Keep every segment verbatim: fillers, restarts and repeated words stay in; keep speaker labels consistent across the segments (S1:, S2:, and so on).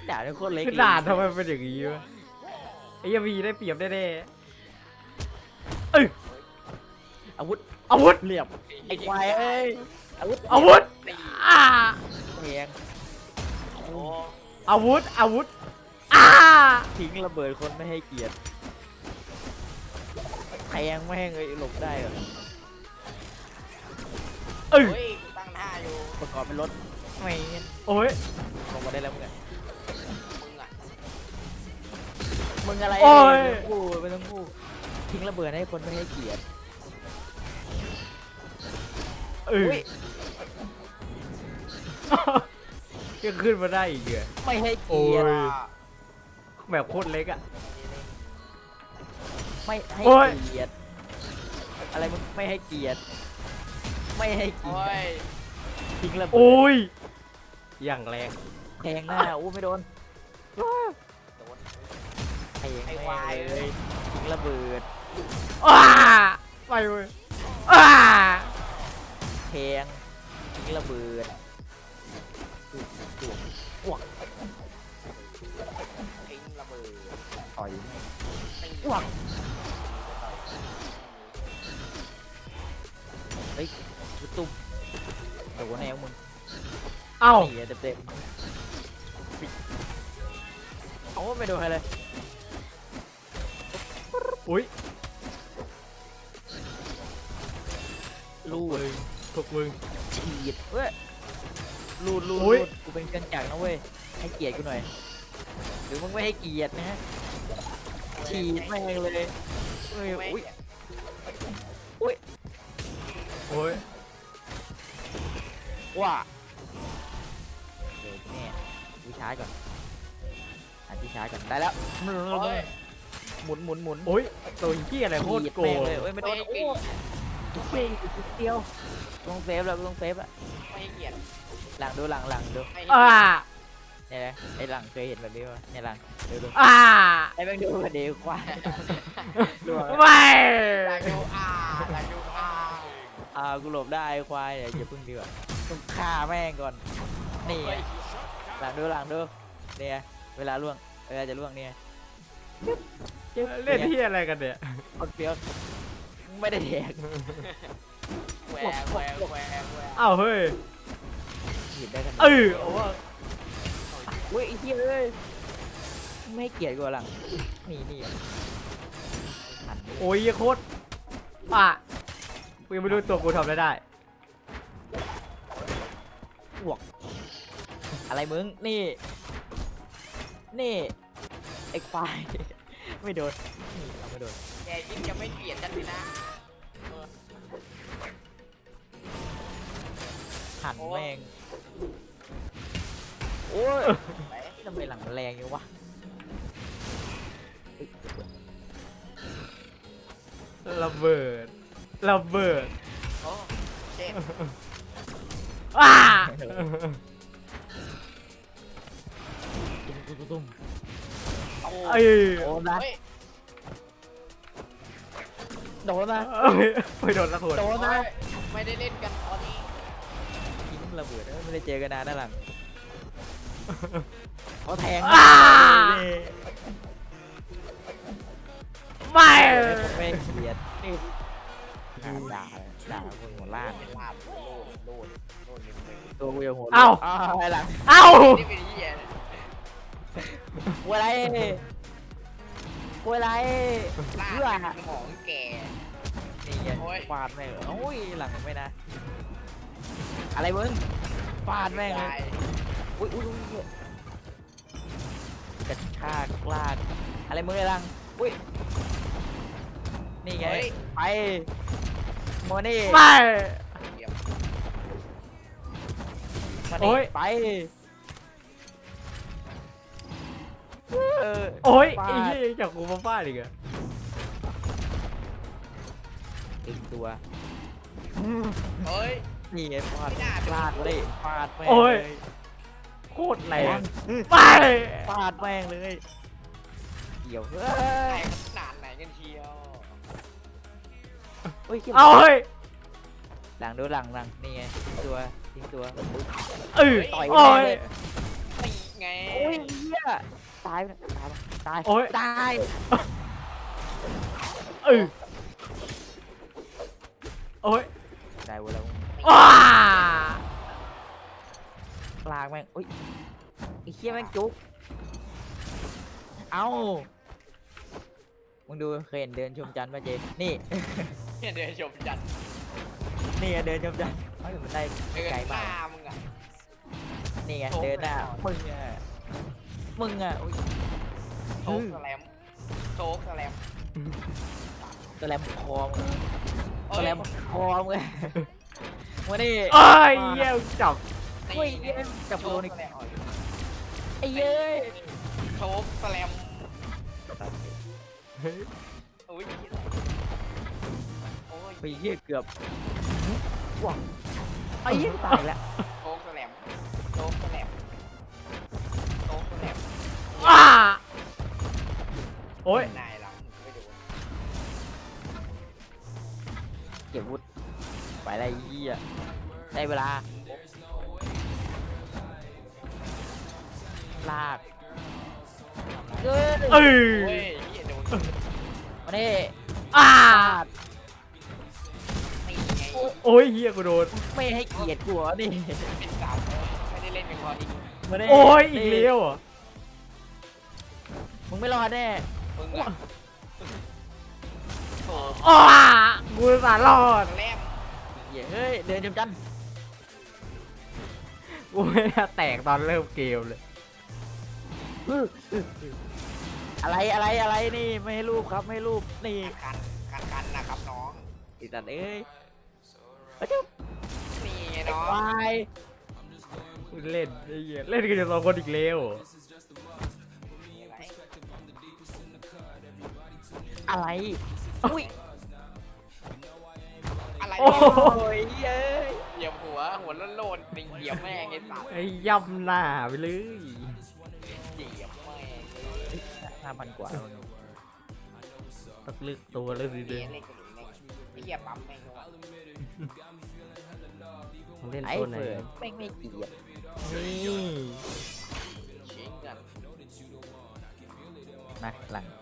S1: ด่าเป็นคนเล็ก
S2: ด่าทำไมเป็นอย่างนี้วะไอ้ยาวีได้เปรียบแน่ๆเอ้ย
S1: อาวุธ
S2: อาวุธ
S1: เหลี่ยมไอ้ควายเอ้ยอาวุธ
S2: อาวุธอ่า
S1: แทง
S3: โอ้
S2: อาวุธอาวุธอ่า
S1: ทิ้งระเบิดคนไม่ให้เกียรติแทงแม่งเลยหลบได้เหรอ
S2: เอ้ย
S3: เฮ้ยกูตั้งท่าอยู่
S1: ประกอบเป็นรถไม่งั้น
S2: โอ้ย
S1: ลงมาได้แล้วมึงอะ
S3: มึงอ่ะ
S1: มึงอะไร
S2: โอ้ย
S1: ไม่ต้องพูดไม่ต้องพูดทิ้งระเบิดให้คนไม่ให้เกียรติ
S2: เอ้
S1: อุ้
S2: ย
S1: ย
S2: ยังขึ้นมาได้อีกเหรอ
S1: ไม่ให้เกียรติ
S2: โอ้ย แบบโคตรเล็กอะ
S1: ไม่ให้
S2: โอ้ย
S1: เกียรติอะไรมึงไม่ให้เกียรติไม่ให้เกี
S3: โอ้
S1: ยรติ
S3: ย
S1: ทิ้งระเบิ
S2: โอ้
S1: ด
S2: ยอย่างแรง
S1: แทงหน้าอู้ไม่โดน
S3: โดน
S1: แทง
S3: ไอ้
S1: แม่
S3: ควาย
S1: งเลยทิ้งระเบิด
S2: อ้าไปเว้ยอ้า
S1: แทงทิ้งระเบิดจุกจุกอ้วก
S3: ทิ้งระเบิด
S1: ต่อย
S3: ตี
S1: อ้วกเฮ้ยจุดตุ้มโดนแนวมึง
S2: เอ้า
S1: เต็มเต็มๆโอ้ไม่โดนใครเลย
S2: อุ้ย
S1: ลูด
S2: พวกมึง
S1: ฉีดเว้ยลูดลูด
S2: อุ๊
S1: ลู
S2: ย
S1: ดกูเป็นเครื่องจักรนะเว้ยให้เกียรติกูหน่อยหรือมึงไม่ให้เกียรตินะฮะฉีดแม่งเลยเฮ้ย
S3: ไม่
S1: อุ้ย
S2: โอ้ย
S1: ว้าเดี๋ยวแม่ดูช้าร์จก่อนหาที่ชาร์จก่อนได้แล้ว
S3: โอ้ย
S1: หมุนหมุนหมุน
S2: โอ้ยตัวเหี้ยอะไรโคตรโก
S1: แม่
S2: ง
S1: งเลยเอ้ยไม่โด
S3: ไม่
S1: น
S3: ให้
S1: โอ้
S3: เกียรติ
S1: ทุกเพลงทุกเดียวต้องเซฟแล้วต้องเซฟอะ
S3: ไม่ให้เกียรติ
S1: หลังดูหลังหลังดู
S3: ไม่ให้
S2: อ่า
S3: เกียรติ
S1: เนี่ยนะไอ้หลังเคยเห็นแบบนี้ป่ะเนี่ยหลังดูดู
S2: อ่า
S1: ไอ้แม่งดูกันดีกว่าดูอะ
S2: ไม่
S3: อยากดูอ่าอยากดูอ่า
S1: อ่ากูหลบได้ไอ้ควายเดี๋ยวอย่าพึ่งดีกว่าต้องฆ่าแม่งก่อนนี่ไง
S3: เฮ้ย
S1: หลังดูหลังดูเนี่ยเวลาล่วงเวลาจะล่วงเนี่ยจึ๊บ
S2: เล่น
S1: ย
S2: ที่อะไรกันเนี่ย
S1: คนเฟี้ยวไม่ได้แดก
S3: แหวกแหวกแหวกแหวก
S2: อ้าวเฮ้ย
S1: หยิบได้ทันที
S2: เออโอ้ว่า
S1: อุ้ยไอ้เหี้ยเอ้ยไม่ให้เกลียดกูหลังนี่นี่หันไป
S2: โอ้ยโคตรอ่ะกูยังไม่รู้ตัวกูทำอะไรได้
S1: อ้วกอะไรมึงนี่นี่ไอ้ควายไม่โดนนี่เราไม่โดน
S3: แกยิ่งจะไม่เปลี่ยนกันเลยนะ
S1: หันแม่งโอ้ย
S3: ไป
S1: ทำไมหลังแรงอย่างวะเฮ้ย
S2: ระเบิดระเบิด
S3: โอ้เจ็บ
S2: อ่า
S1: ตุ้มตุ้มตุ้มตุ้ม
S3: โอ้
S2: เอ้ย
S1: โดนนะ
S3: เฮ้ย
S1: โดนนะ
S2: เอ้ยไม่โดนละคน
S1: โดนนะ
S3: ไม่ได้เล่นกันตอนนี้
S1: ทิ้งระเบิดเอ้ยไม่ได้เจอกันนานนะหลังเขาแทง
S2: อ่า
S1: นี่
S2: ไม่
S1: ไม่เกลียดนี่ด่าด่าด่าคนหัวล้าน
S3: เป็นลาบโลดโลดโลดนิดนึง
S1: ตัวกูยังหัว
S2: เอ้า
S1: อ้าวไอ้หลัง
S2: เอ้า
S3: นี่เป็นเหี้ยนะ
S1: กูอะไรกูอะไร
S3: ลา
S1: เพื่อ
S3: บของแก
S1: นี่ไง
S3: โอ้ย
S1: ฟาดแม่งโอ้ยหลังไม่นะอะไรมึงฟาดแม่งเลย
S3: ตาย
S1: อุ้ยอุ้ยอุ้ยกระชากลากอะไรมึงไอ้หลังอุ้ยนี่ไงไปโมนี่
S2: ไม่
S3: เหยียบ
S1: มา
S2: โอ้
S1: นี่
S2: ย
S1: ไปเออ
S2: โอ้ย
S1: ฟาด
S2: ไอ้เหี้ยยังจากกูมาฟาดอีกเหรอ
S1: ดึงตัว
S3: เฮ้ย
S1: นี่ไงฟาด
S3: ไม่น่าเป็น
S1: ฟาดเลยฟาดแม่ง
S2: โอ้ย
S1: เลย
S2: โคตรแร
S1: แรง
S2: งไป
S1: ฟาดแม่งเลยเกี่ยวเฮ้
S3: ไหน
S1: ย
S3: ขนาดไหนกันเชียว
S1: เฮ้ยขี้ย
S2: เอาเฮ้ย
S1: หลังดูหลังหลังนี่ไงทิ้งตัวทิ้งตัว
S2: เออ
S1: ต่อย
S2: โอ้
S1: แม่ง
S2: ย
S1: เลย
S3: ตีไง
S1: โอ้ยเหี้ยตายไปตายไปตาย
S2: โอ้ย
S1: ตาย
S2: เออโอ้ย
S1: ได้เว้ยแล้ว
S2: ว้า
S1: ลากแม่งอุ้ยไอ้เหี้ยแม่งจุกเอ้ามึงดูเคยเห็นเดินชมจันทร์ป่ะเจนี่
S3: เนี่ยเดินชมจัด
S1: นี่ไงเดินชมจันทร์เฮ้ยมันได้
S3: เดิน
S1: ไกล
S3: ห
S1: มา
S3: น้าก มึงอ่ะ
S1: นี่ไง
S3: โชว์
S1: เดินหน้า
S3: ไปก่อน
S1: มึงอ่ะมึงอ่ะอุ้ย
S3: โชกสแลมโชกสแลม
S1: สแลมคอมึง
S3: เอ้
S1: ส
S3: ย
S1: แลมคอมึงมาดิ
S2: เอ้ยเยี่ยมจับ
S3: ตี
S1: เฮ้ย
S3: เนี่ย
S1: จับ
S3: โช
S1: โด
S3: ก
S1: นอีก
S3: สแลม
S1: ไอ้เย้ย
S3: โชกสแลมอุ้ยโอ้ย
S1: ไปเหี้ยเกือบว้าวไอ้เหี้ยตายแล้ว
S3: โชกสแลมโชกสแลมโชกสแลม
S2: ว้าโอ้ย
S3: นายหลังไม่ดู
S1: เก็บวุฒไปอะไรเหี้ยได้เวลาลากเอ้ย
S2: เอ้ย
S3: เฮ้ยเหี้ยโดน
S1: มาดิ
S2: อ่า
S3: ตีไง
S2: โอ้ยเฮียกูโดน
S1: ไม่ให้เกียรติกูเหรอนี่
S3: เป็นสาวไม่ได้เล่นเป็นพอดี
S1: มาดิ
S2: โอ้ยอีกเลี้ยวอ่ะ
S1: มึงไม่รอดแน่
S3: มึงอะโถ
S2: อ้ากูสารรอด
S3: แลม
S1: เหี้ยเฮ้ยเดินจำจัน
S2: กูไม่น่าแตกตอนเริ่มเกมเลย
S1: อะไรอะไรอะไรนี่ไม่ให้รูปครับไม่ให้รูปนี่
S3: กันกันกันนะครับน้อง
S1: ไอ้สัตว์เอ้ยเอ้ยเจ้า
S3: นี่ไง
S1: ไอ้
S3: น้อง
S1: ควาย
S2: กูเล่นไอ้เหี้ยเล่นกันอยู่สองคนอีกแล้ว
S1: อะไรอุ้ย
S3: อะไร
S2: โอ้
S3: เนี่ย
S1: โอ้ยเย้ย
S3: เหยียบหัวหัวโลนๆติงเหยียบแม่งไอ้สัตว์
S2: ไอ้ย่ำหน้าไปเลย
S3: เหยียบแม่ง
S1: ห้าพันกว่า
S2: ตักลึกตัวเลยสิ
S3: เล่
S2: เด้
S3: นเล่นกันเล่นไอ้เหยียบปั๊มแม่งด้วย
S2: มึงเล่น
S1: ไอ้
S2: ตัวไหน
S1: เฟิร์นไม่งไม่เกลียด
S2: นี่
S3: ชิงกัน
S1: นะหลัง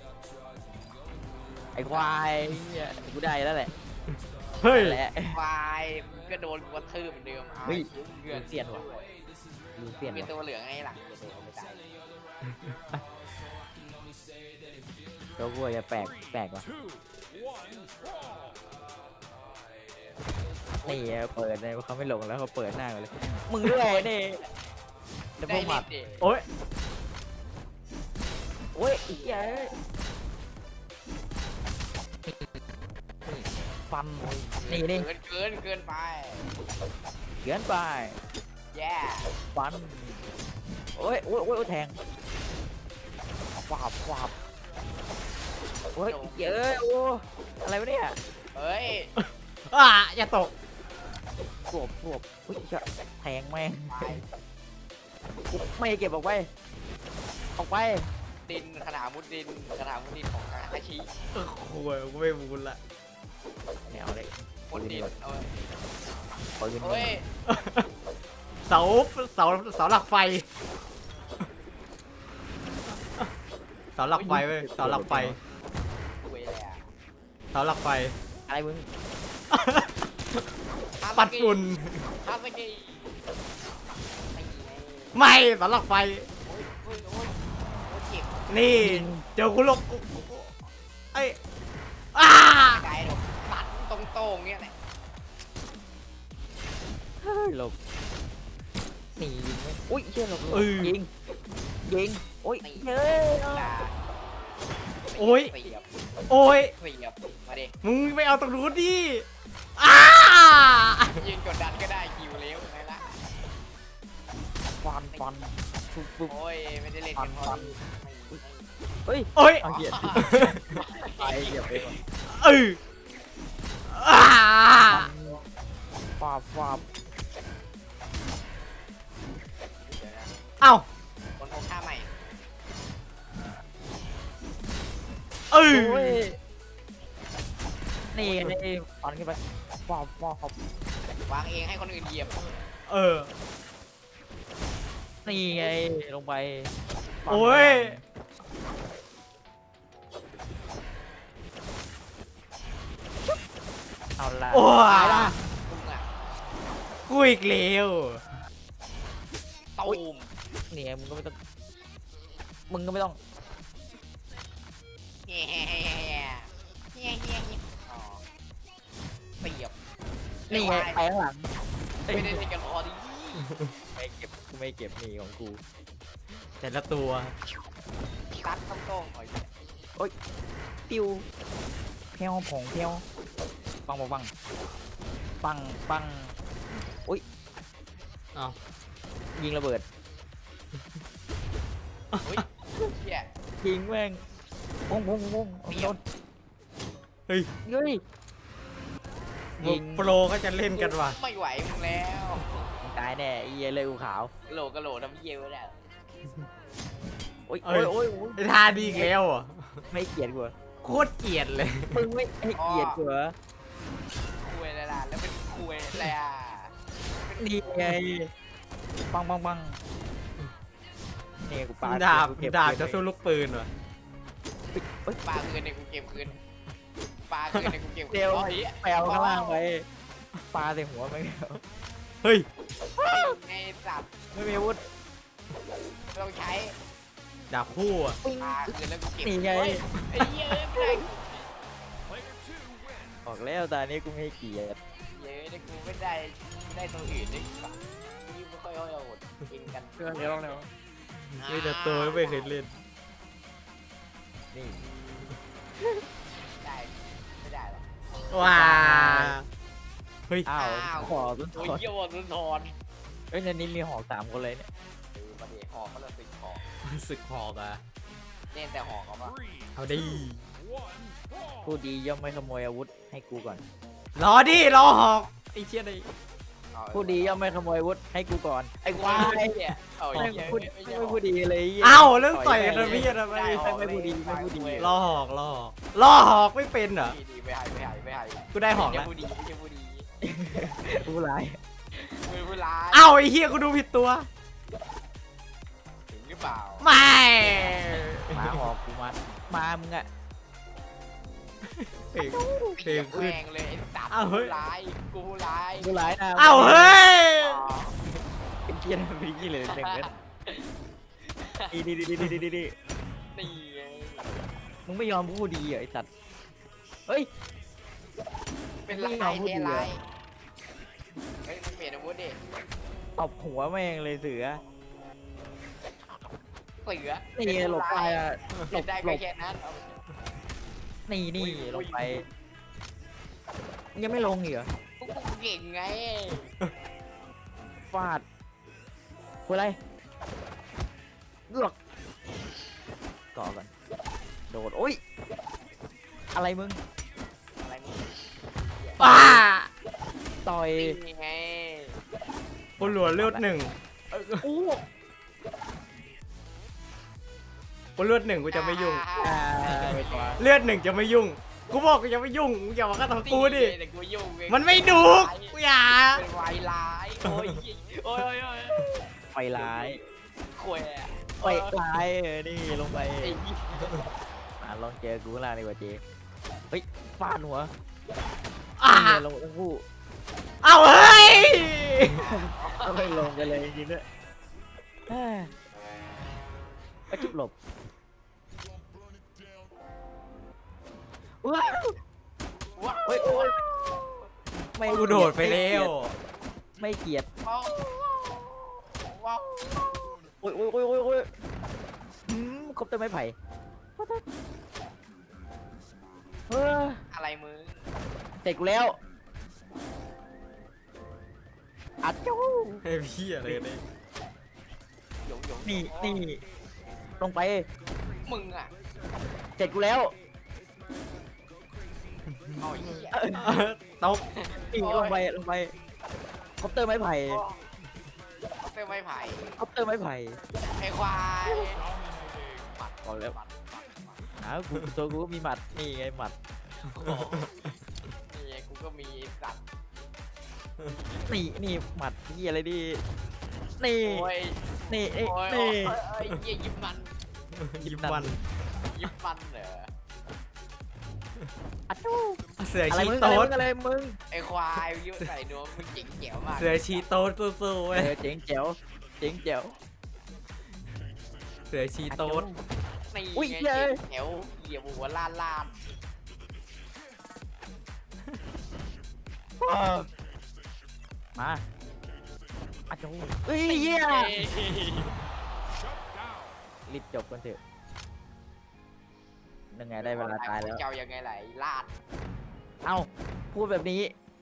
S1: ไอ้ควายเหี้ยกูได้แล้วแหละ
S2: เฮ้ย
S1: นั่นแหละ
S3: ควายมึงก็โดนกูกระทืบเหมือนเดิมเอา
S1: เฮ้ย
S3: เลือด
S1: เสียนว่ะ ดูเปลี่ยน
S3: เป็น
S1: ว่ะ
S3: ตัวเหลืองไงหลังจะโดนไม่ได้
S1: ตัวกูจะแปลกแปลกว่ะนี่เปิดเลยเขาไม่หลงแล้วเขาเปิดหน้ากันเลยมึงด้วยนี่เดี๋ยวพ
S3: ได้
S1: วกหมั
S3: เล่
S1: ด
S3: นดิ
S2: โอ้ย
S1: โอ้ยอีกเหี้ยเอ้ยฟันนี่นี่
S3: เกินเกินเกินไป
S1: เขียนไป
S3: แย่
S1: ฟันโอ้ยโอ้ยโอ้ยโอ้ยแทงฟาบฟาบโอ้ยเยอะโอ้อะไรวะเนี่ย
S3: เฮ้ย
S2: อ่าอย่าตก
S1: สวบสวบอุ้ยจะแทงแม่ง
S3: ไป
S1: ไม่เก็บออกไปออกไป
S3: ดินขนาดมุดดินขนาดมุดดินของกาฮาชิ
S2: โอ้โหกูไม่บูนละ
S1: แนวเลย
S3: มุดดินเอา
S1: ปืน
S3: เฮ้ย
S2: เสาเสาเสาหลักไฟเสาหลักไฟเว้ยเสาหลักไฟ
S3: เว้ยเลยอะ
S2: เสาหลักไฟ
S1: อะไรมึง
S2: ปัดฝุ่น
S3: ฮาสกิไม่ไง
S2: ไม่เสาหลักไฟ
S3: โอ้ยโอ้ยโอ้ยโอ้ยเจ็บ
S2: นี่เจอกูลงกูกูไอ้อ้า
S3: ไกลหรอกตัดตรงโต้งๆเงี้ยแหละ
S1: เฮ้ยหลบหนียิงไหมอุ้ยเชี่ยหลบหลบ
S2: เออ
S1: ยิงยิงโอ้ย
S3: นี่
S1: เฮ้ย
S3: ลา
S2: โอ้ย
S3: เสียบ
S2: โอ้ย
S3: เสียบมาดิ
S2: มึงไปเอาตรงนู้นดิอ้า
S3: ยืนกดดันก็ได้คิวเร็วไงล่ะ
S1: ฟันฟันฟุบฟุบ
S3: โอ้ยไม่ได้เล่นกันพอดีไม่ไม่
S1: เฮ้ย
S2: โอ้ย
S1: เอาเหยียดไปเหยียบไปก่อน
S2: เอออ้า
S1: ฟาบฟาบ
S3: เดี๋ยวนะ
S2: เอ้า
S3: คนพกท่าใหม่
S2: เออ
S1: โอ้ยนี่ไงนี่ฟันขึ้นไปฟาบฟาบ
S3: วางเองให้คนอื่นเหยียบ
S2: เออ
S1: นี่ไงลงไป
S2: โอ้ย
S1: เอาละ
S2: โอ้
S1: ตาย
S2: ย
S1: ละ
S3: มึงอ่ะ
S2: กูอีกแล้ว
S3: ตูม
S1: นี่ไงมึงก็ไม่ต้องมึงก็ไม่ต้อง
S3: เฮ้ยเฮ้ยเฮ้ยเฮ้ยเฮ้ยเฮ้ยเฮ้ยอ๋อเสียบ
S1: นี่ไงไปข้างหลัง
S3: ไม่ได้เล่นกันพอดี
S1: ไม่เก็บกูไม่เก็บนี่ของกู
S2: แต่ละตัว
S3: ตัดต้องต้องหน่อย
S1: ปิ้วเพี้ยวผงเพี้ยวปังปังปังปังปัง
S2: อ้าว
S1: ยิงระเบิด
S3: เฮ้ยเฮีย
S1: ยิงแม่งปุ้งปุ้งปุ้ง
S3: เปรี้
S1: โด
S3: ยว
S1: น
S2: เฮ้ย
S1: เฮ้ย ยิง
S2: โปรก็จะเล่นกันว่ะ
S3: ไม่ไหวมึงแล้ว
S1: มึงตายแน่ไอ้เหี้ยเลยอูขาว
S3: กะโหลกกะโหลกทำเยี่ยวแล้ว
S1: โอ้ย
S2: เอ้
S1: โอ้
S2: ย
S1: ยโอ้ยโอ้ย
S2: ไอ้ท่าดีอีกแล้วอ่ะ
S1: ไม่เกลียดกูเหรอ
S2: โคตรเกลียดเลย
S1: มึงไม่ให้เกลียดกูเหรอ
S3: คุยแล้วล่ะแล้วเป็นคุยอะไรอ่ะ
S1: นี่ไงปังปังปังนี่กูปา
S2: ดาบ
S1: กูเก็บ
S2: ดาบ
S1: เก็
S2: จะ
S1: บ
S2: สู้ลูกปืนว่ะ
S1: เฮ้ย
S3: ปลาคืนในกูเก็บคืนปลาคืนในกูเก็บคืน
S1: เดี๋ยว
S3: อ๋อหี้
S1: ไปเอาข้างล่างไปปาใส่หัวมัน
S2: เฮ้ย
S3: ไอ้สัตว์
S1: ไม่มีอาวุธ
S3: ต้องใช้
S2: ดาบคู่อ่ะ
S1: ปิ้ง
S3: ปลาคืนแล้วกูเก็บ
S1: นี่ไง
S3: เฮ้ยไอ้เหี้ยไม่ได้
S1: บอกแล้วตอนนี้กูไม่ให้เกลียด
S3: เย้ยกูไม่ได้ไม่ได้ตัวอื่นเลยสัตว์นี่ไม่ค่อยเอาหมดกินกัน
S1: เดี๋ยวลองเร็ว
S2: ไม่แต่ตัวไม่เคยเล่น
S1: นี่
S3: ได้ไม่ได้หรอก
S2: ว้าเฮ้ย
S1: อ้าว
S3: อ้าว
S1: ขอต้น
S3: โอ้ย
S1: ถอน
S3: เยี่ยวรุนทอน
S1: เอ้ยในนี้มีหอกสามคนเลยเนี่ย
S3: เออมาเดี๋ยวหอกเขาเลยติดหอก
S2: สึกหอกอ่ะ
S3: เล่นแต่หอกเขาปะ
S2: เอาดิ
S1: ผู้ดีย่อมไม่ขโมยอาวุธให้กูก่อน
S2: รอดิรอหอกไอ้เชี่ยดิ
S3: เอา
S1: ผู้ดีย่อมไม่ขโมยอาวุธให้กูก่อนไอ้ควาย
S3: เนี่ยเอา
S1: ไม่
S3: เหี้ย
S1: พูด
S3: ไม่
S1: ไม่
S3: ใช่หอก
S1: พูดดีเลยไหี้ย
S2: เอ้าเรื่องต่อยกันนะพี่ทำไม
S1: ไม่ไม่พูดดีไม่พูดดี
S2: รอหอกรอหอกรอหอกไม่เป็นเหรอ
S3: ดีดีไม่ให้ไม่ให้ไม่ให้
S2: กูได้หอก
S3: ไม่
S2: แล้ว
S3: ใช่ผู้ดีไม่ใช่ผู้ดี
S1: ผู้ร้าย
S3: มือผู้ร้าย
S2: เอ้าไอ้เฮียกูดูผิดตัว
S3: ถึงหรือเปล่า
S2: ไม่
S1: หมาหอกกูมามามึงอะ
S2: เพลงเพลง
S3: แร
S2: ขึ้น
S3: งเลยไอ้สัตว์
S2: อ้าวเฮ้
S3: ผู้
S2: ย
S3: ร้ายกูผู้ร้าย
S1: ผู้ร้ายนะ
S2: เอ้าเฮ้ย
S3: อ๋อ
S1: เป็นเกียร์เป็นเกียร์เลยหนึ่งเม็ดดีดีดีดีดีดีดี
S3: นี่ไง
S1: มึงไม่ยอมพูดดีเหรอไอสัตว์เฮ้ย
S3: เป็นลาย
S1: ไม่เอาผู้ดี
S3: แท้
S1: เหรอ
S3: ลายเฮ้ยมึงเปลี่ยนอาวุธดิ
S1: ตบหัวแม่งเลยเสือ
S3: เสือ
S1: นี่หลบไปอะหล
S3: เล่น
S1: บ
S3: ได้
S1: หล
S3: ก็
S1: บ
S3: แค่นั้นเอา
S1: นี่นี่
S3: อุ้ย
S1: ลงไปยังไม่ลงอีกเหรอ
S3: พวกกูเก่งไง
S1: ฟาดกูอะไรเลือกก่อก่อนโดดโอ้ยอะไรมึง
S3: อะไรมึง
S2: ป้า
S1: ต่อย
S3: นี่ไง
S2: กูหลัวเลือดหนึ่ง
S1: อู้
S2: กูเลือดหนึ่งกูจะไม่ยุ่ง
S1: อ่าไปต่อ
S2: เลือดหนึ่งจะไม่ยุ่ง กูบอกกูจะไม่ยุ่งมึงอย่ามาฆ่าทำกูดิ
S3: แต่กูยุ่งไง
S2: มันไม่ดุกูอย่า
S3: เป็นวายร้ายโอ้ยโอ้ยโอ้ยโอ้ย
S1: ไปร้าย
S3: ข่วยอะ
S1: ไปร้ายเออนี่ลงไป
S3: ไอ้เหี้ย
S1: อ่ะลองเจอกูข้างล่างดีกว่าเจเฮ้ยฟาดหัว
S2: อ่า
S1: นี่ลงทั้งคู่
S2: เอาเฮ้ย
S1: ก็ไม่ลงกันเลยจริงๆด้วยเอ้ยก็จุบหลบว้าว
S3: ว้าว
S1: เฮ้ยโอ้ยไม่
S2: กูโดดไปแล้ว
S1: ไม่เกลียด
S3: ว้าวว้าว
S1: โอ้ยโอ้ยโอ้ยโอ้ยโอ้ยอืมครบแต่ไม้ไผ่เออ
S3: อะไรมึง
S1: เสร็จกูแล้วอัดจู้
S2: ไอ้พี่อะไรกันเนี่ย
S3: หยงหยง
S1: นี่นี่ลงไป
S3: มึงอ่ะ
S1: เสร็จกูแล้ว
S3: เอาไอ้เหี้ย
S2: ตบ
S1: นี่ลงไปลงไปคอปเตอร์ไม้ไผ่
S3: เอาเต้นไม้ไผ่
S1: คอปเตอร์ไม้ไผ่
S3: ไอ้ควายหมัด
S1: บอกแล้ว
S3: หมัดหมัดหมัด
S1: อ้าวกูตัวกูก็มีหมัดนี่ไงหมัด
S3: โอ้โหนี่ไงกูก็มีสัตว์
S1: นี่นี่หมัดที่อะไรดินี่
S3: โอ้ย
S1: นี่นี่
S3: โอ้ย
S1: นี่
S3: โอ้ยเหี้ยยิบมัน
S2: ยิบมัน
S3: ยิบฟันเหรอ
S1: อัดจู
S2: เสือ
S1: อะไร
S2: ชี
S1: มึง
S2: โต๊
S1: อะไร
S2: ด
S1: มึงอะไรมึง
S3: ไอ้ควายยิ้มใส่นวมมึงเจ๋งเจ๋วมาก
S2: เสือชีโต๊ดสู้ๆ
S1: เอ
S2: เว้ย
S1: อเจ๋งเจ๋วเจ๋งเจ๋ว
S2: เสือชีโต๊ด
S3: นี่
S1: อุ้ย
S3: ไง
S1: เย้
S3: เจ๋งเจ๋วเหยียบหัวลานลาน
S1: มาอัดจูเฮ้ยเหี้ยรีบจบกันเถอะยังไงได้เวลาตายแล้ว
S3: เจ้ายังไงไหลลาด
S1: เอ้าพูดแบบนี้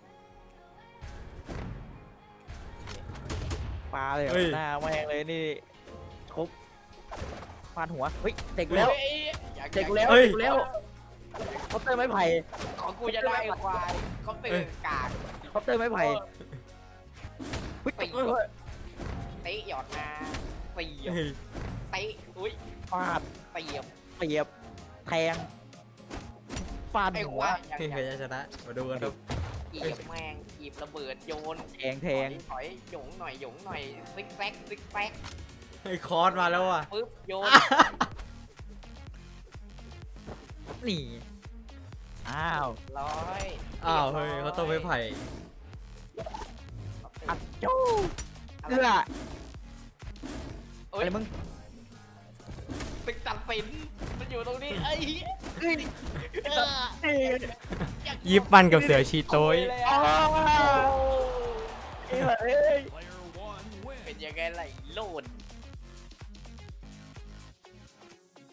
S1: ปลาเลยเหรอหน้าแม่งเลยนี่ครบฟาดหัวเฮ้ยเด็กแล้ว
S3: เฮ้ยอยาก
S1: เด็กแล้ว
S2: เฮ้ย
S1: เด็กแล้วเขาเตอร์ไม้ไผ่
S3: ของกูจะได้ไอ้ควายเขาตื่นกาก
S1: เขาเตอร์ไม้ไผ่เฮ้ย
S3: ตี
S1: เฮ้ยเฮ้ย
S3: เตะหยอดมาเตียบ
S2: เฮ้ย
S3: เตะอุ้ย
S1: ฟาด
S3: เตียบ
S1: เสียบแทงฟาด
S3: ไอ้
S1: หั
S3: คว วายยัง
S2: เฮ้ย
S3: ยัง
S2: ใครจะชนะมาดูกันครับ
S3: กีบแมงกีบระเบิดโยน
S1: แทงแทง
S3: ถอยหยงหน่อยหยงหน่อยซิกแซกซิกแซก
S2: เฮ้ยคอร์สมาแล้วว่ะ
S3: ปึ๊บโยน
S1: นี่อ้าว
S3: ร้อย
S2: อ้าวเฮ้ยเขาต้องไปไผ่
S1: อัดจู้เอื้อ
S3: เอ้
S1: อะ
S3: ย
S1: ไรมึง
S3: ตึกตัดสินมันอยู่ตรงนี้เอ้ย
S1: เอ้ย
S3: เออ
S1: เอ้ย
S2: ยิบมันกับเสือชีโต้ย
S1: อ้าวเอ้ยเอ้ย
S3: เป็นยังไงไหลโลด